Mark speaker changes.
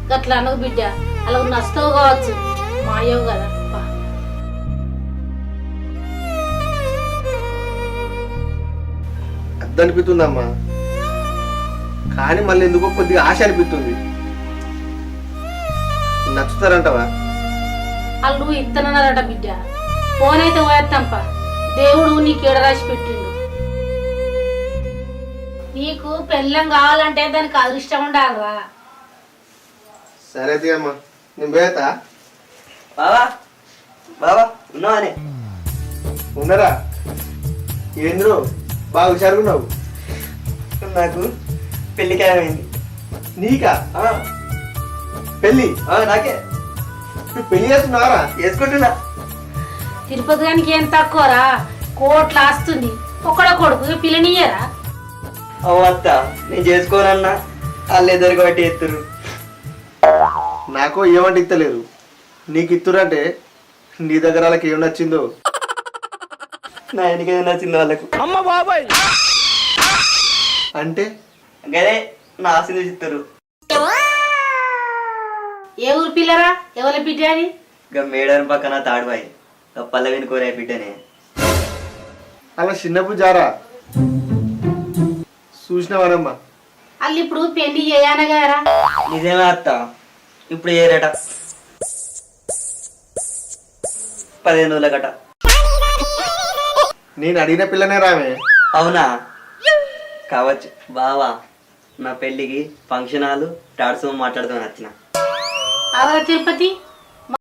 Speaker 1: గట్లా అనకు బిడ్డ, అలా నష్టవు కావచ్చు, మాయవు కదా.
Speaker 2: అనిపిస్తుందమ్మా, కానీ మళ్ళీ ఎందుకో కొద్దిగా ఆశ అనిపిస్తుంది. నచ్చుతారంటవా?
Speaker 1: వాళ్ళు ఇత్తనన్నారట బిడ్డ. ఫోన్ అయితే పోయేస్తాంప, దేవుడు నీకు ఏడ రాసి పెట్టిండు. నీకు పెళ్ళం కావాలంటే దానికి అదృష్టం ఉండాలరా.
Speaker 2: సరే అమ్మా, నేను పోయేతా.
Speaker 3: బావా బావా ఉన్నావానే?
Speaker 2: ఉన్నారా? ఏంద్రు బాగా హుషారుగున్నావు.
Speaker 3: నాకు పెళ్లి ఖాయమైంది.
Speaker 2: నీకా పెళ్ళి?
Speaker 3: నాకే.
Speaker 2: పెళ్లి చేస్తున్నారా?
Speaker 3: వేసుకుంటున్నా.
Speaker 1: తిరుపతి గానికి ఏం తక్కువరా, కోట్ల ఆస్తుంది. ఒక్కడో కొడుకు పిల్లనియ్యరా?
Speaker 3: అవ్వ అత్త, నేను చేసుకోనన్నా వాళ్ళు ఎదురు బట్టి ఎత్తురు.
Speaker 2: నాకు ఏమంటే ఇత్తలేరు, నీకు ఇత్తురంటే నీ దగ్గర వాళ్ళకి ఏం నచ్చిందో.
Speaker 3: నా ఎన్నికైనా నచ్చింది వాళ్ళకు.
Speaker 2: అమ్మ బాబాయ్ అంటే
Speaker 3: గదే నా ఆశలు చిత్తరు.
Speaker 1: ఏ ఊరు పిల్లరా? ఎవరి బిడ్డ అది?
Speaker 3: ఇక మేడని పక్కన తాడుబాయి, పల్లవిని కోరే బిడ్డనే.
Speaker 2: అలా చిన్నప్పుడు జారా చూసినవానమ్మా.
Speaker 1: వాళ్ళు ఇప్పుడు పెళ్లి చేయనగారా?
Speaker 3: నిజమే అత్త, ఇప్పుడు ఏరట 15 రోజుల గట.
Speaker 2: నేను అడిగిన పిల్లనే రామే.
Speaker 3: అవునా? కావచ్చు. బావా, నా పెళ్ళికి ఫంక్షన్ హాలు టాడ్స్ మాట్లాడుతూ వచ్చిన.
Speaker 1: అవరా తిరుపతి